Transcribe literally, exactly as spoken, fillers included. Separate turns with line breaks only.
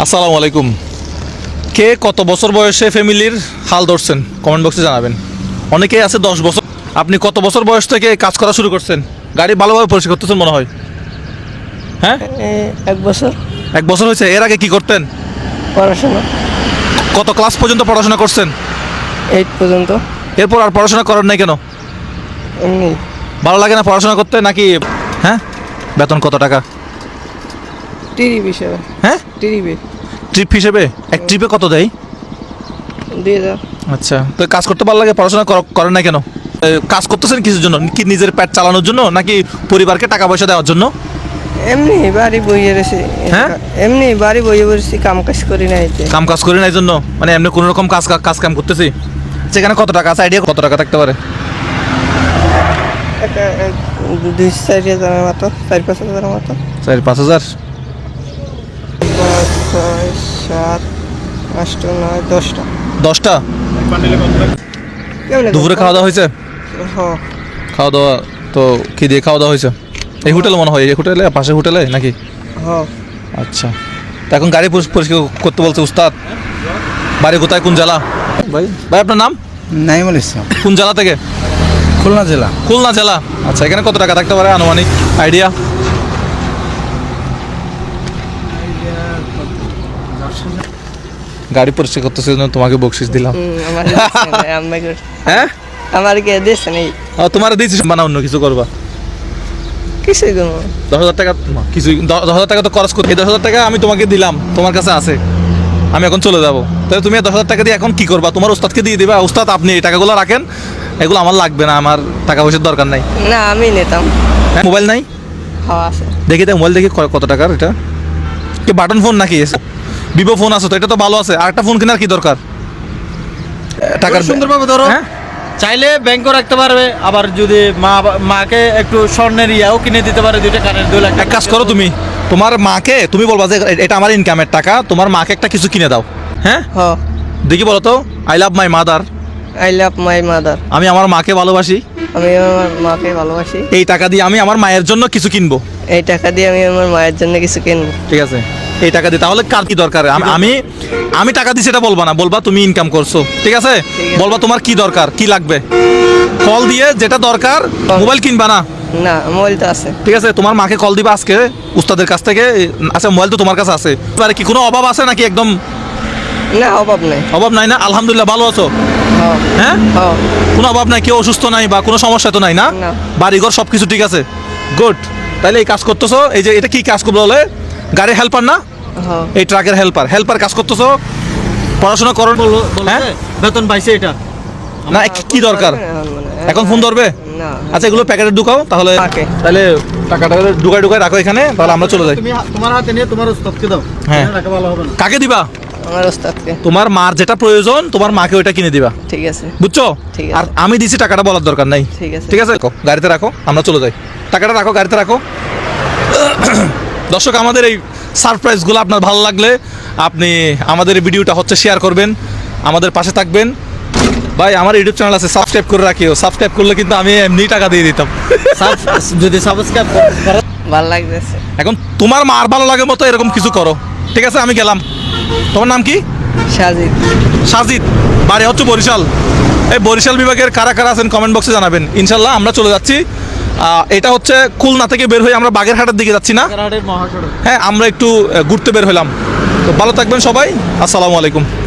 আসসালামু আলাইকুম। কে কত বছর বয়সে ফ্যামিলির হাল ধরছেন কমেন্ট বক্সে জানাবেন। অনেকেই আছে দশ বছর। আপনি কত বছর বয়স থেকে কাজ করা শুরু করছেন? গাড়ি ভালোভাবে পরিষ্কার করতেছেন মনে হয়। হ্যাঁ,
এক বছর।
এক বছর হয়েছে। এর আগে কি করতেন?
পড়াশোনা
কত ক্লাস পর্যন্ত পড়াশোনা করছেন?
এইট পর্যন্ত।
এরপর আর পড়াশোনা করেন নাই কেন?
এমনি
ভালো লাগে না পড়াশোনা করতে নাকি? হ্যাঁ, বেতন কত টাকা?
ট্রিপ হিসেবে।
হ্যাঁ,
ট্রিপে
ট্রিপ হিসেবে এক ট্রিপে কত দেয়?
দুই হাজার।
আচ্ছা, তো কাজ করতে ভালো লাগে, পড়াশোনা কর- করেন না কেন? এ, কাজ করতেছেন কিসের জন্য? কি নিজের পেট চালানোর জন্য নাকি পরিবারকে টাকা পয়সা দেওয়ার জন্য?
এমনি বাড়ি বইয়ে রয়েছি।
হ্যাঁ?
এমনি বাড়ি বইয়ে বসেছি, কাম কাজ করি না এতে।
কাম কাজ করি না এই জন্য, মানে এমনি কোনো রকম কাজ কাজ কাম করতেছি। সেখানে কত টাকা আছে? আইডিয়া কত টাকা থাকতে পারে?
একটা এক, দুই চার হাজারের মতো, চার পাঁচ হাজারের মতো।
চার পাঁচ হাজার।
পাঁচ ছয় সাত আটটা নয় দশটা।
দশটা।
কেমনে
দুপুরে খাওয়া দাওয়া হয়েছে?
হ্যাঁ।
খাওয়া দাওয়া তো কি দিয়ে খাওয়া দাওয়া হয়েছে? এই হোটেলে মনে হয়, এই হোটেলে পাশে হোটেলে নাকি?
হ্যাঁ।
আচ্ছা, তো এখন গাড়ি পরিষ্কার পরিষ্কার করতে বলছে উস্তাদ। বাড়ি কোথায়, কোন জেলা? ভাই ভাই আপনার নাম?
নাইমুল ইসলাম,
কোন জেলা থেকে?
খুলনা জেলা।
খুলনা জেলা। আচ্ছা, এখানে কত টাকা থাকতে পারে আনুমানিক আইডিয়া? গাড়ি পরিষ্কার করতেছে জন্য তোমাকে বকশিস দিলাম।
হুম, আমার দিচ্ছে না, আমাকে
হ্যাঁ,
আমার কে দিচ্ছে নেই।
ও, তোমার দিয়েছিস বানা, অন্য কিছু করবা।
কিছুই করবো না।
দশ হাজার টাকা কিছু, দশ হাজার টাকা তো খরচ করতে, এই দশ হাজার টাকা আমি তোমাকে দিলাম, তোমার কাছে আছে, আমি এখন চলে যাবো। তাহলে তুমি দশ হাজার টাকা দিয়ে এখন কি করবা? তোমার ওস্তাদকে দিয়ে দিবা, ওস্তাদ আপনি এই টাকাগুলো রাখেন, এগুলো আমার লাগবে না, আমার টাকা পয়সার দরকার নাই।
না, আমি নিতাম।
হ্যাঁ, মোবাইল নাই?
হওয়া আছে।
দেখি তো মোবাইল দেখি ক- কত টাকার এটা, কি বাটন ফোন নাকি? ভিভো ফোন আছে তো, এটা তো ভালো আছে। আর একটা ফোন কেনার কি দরকার? টাকার
সুন্দরভাবে ধরো।
হ্যাঁ?
চাইলে ব্যাংকও রাখতে পারবে, আবার যদি মা মাকে একটু স্বর্ণের ইয়াও কিনে দিতে পারে, দুইটা কানের দুই লাখ।
এক কাজ করো, তুমি তোমার মাকে তুমি বলবা যে এটা আমার ইনকামের টাকা, তোমার মাকে একটা কিছু কিনে দাও। হ্যাঁ,
হ্যাঁ।
দেখি বলো তো, I love my mother,
I love my mother.
আমি আমার মাকে ভালোবাসি,
আমি আমার মাকে ভালোবাসি।
এই টাকা দিয়ে আমি আমার মায়ের জন্য কিছু কিনবো।
এই টাকা দিয়ে আমি আমার মায়ের জন্য কিছু কিনবো।
ঠিক আছে, এই টাকা দিয়ে তাহলে কার কি দরকার? আমি আমি আমি টাকা দিই সেটা বলবা না, বলবা তুমি ইনকাম করছো। ঠিক আছে,
আছে।
বলবা তোমার কি দরকার, কি লাগবে, কল দিয়ে যেটা দরকার। মোবাইল কিনবা না,
না, মোবাইল তো আছে।
ঠিক আছে, তোমার মাকে কল দিবা আজকে উস্তাদের কাছ থেকে। আচ্ছা, মোবাইল তো তোমার কাছে আছে, এবারে কি কোনো অভাব আছে নাকি? একদম
না, অভাব নাই।
অভাব নাই না? আলহামদুলিল্লাহ, ভালো আছো?
হ্যাঁ।
হ্যাঁ,
হ্যাঁ।
কোনো অভাব নাই, কেউ অসুস্থ নাই বা কোনো সমস্যা তো নাই না?
না।
বাড়িঘর সব কিছু ঠিক আছে, গুড। তাইলে এই কাজ করতেছো, এই যে এটা কি কাজ করবো বলে? গাড়ি হেল্পার না?
হ্যাঁ।
এই ট্রাকের হেল্পার, হেল্পার কাজ করতেছো, পড়াশোনা করো। হ্যাঁ,
বেতন পাইছে এটা।
না কি দরকার? এখন ফোন ধরবে?
না।
আচ্ছা, এগুলো প্যাকেটে ঢুকাও তাহলে।
Okay.
তাহলে টাকাটা ঢুকাই ঢুকাই রাখো এখানে, তাহলে আমরা চলে যাই।
তুমি তোমার হাতে নিয়ে তোমার উস্তাদকে দাও।
হ্যাঁ।
রাখা ভালো হবে না।
কাকে দিবা?
আমার ওস্তাদকে।
তোমার মার যেটা প্রয়োজন, তোমার মাকে ওইটা কিনে দিবা,
ঠিক আছে।
বুঝছো?
ঠিক আছে।
আর আমি দিছি, টাকাটা বলার দরকার নাই।
ঠিক আছে।
ঠিক আছে, রাখো, গাড়িতে রাখো, আমরা চলে যাই। টাকাটা রাখো, গাড়িতে রাখো। দর্শক, আমাদের এই সারপ্রাইজগুলো আপনার ভালো লাগলে আপনি আমাদের এই ভিডিওটা হচ্ছে শেয়ার করবেন, আমাদের পাশে থাকবেন। ভাই, আমার ইউটিউব চ্যানেল আছে, সাবস্ক্রাইব করে রাখিও। সাবস্ক্রাইব করলে কিন্তু আমি এমনি টাকা দিয়ে দিতাম।
সাব- যদি সাবস্ক্রাইব করো।
ভালো লাগতেছে।
এখন তোমার মার ভালো লাগে মতো এরকম কিছু করো। ঠিক আছে, আমি গেলাম। তোমার নাম কি?
সাজিদ।
সাজিদ, বাড়ি হচ্ছে বরিশাল। এই বরিশাল বিভাগের কারা কারা আছেন কমেন্ট বক্সে জানাবেন। ইনশাল্লাহ আমরা চলে যাচ্ছি। আহ, এটা হচ্ছে খুলনা থেকে বের হয়ে আমরা বাগেরহাটের দিকে যাচ্ছি না?
কারাহাটের মহাসড়ক।
হ্যাঁ, আমরা একটু আহ, ঘুরতে বের হলাম। তো ভালো থাকবেন সবাই, আসসালামু আলাইকুম।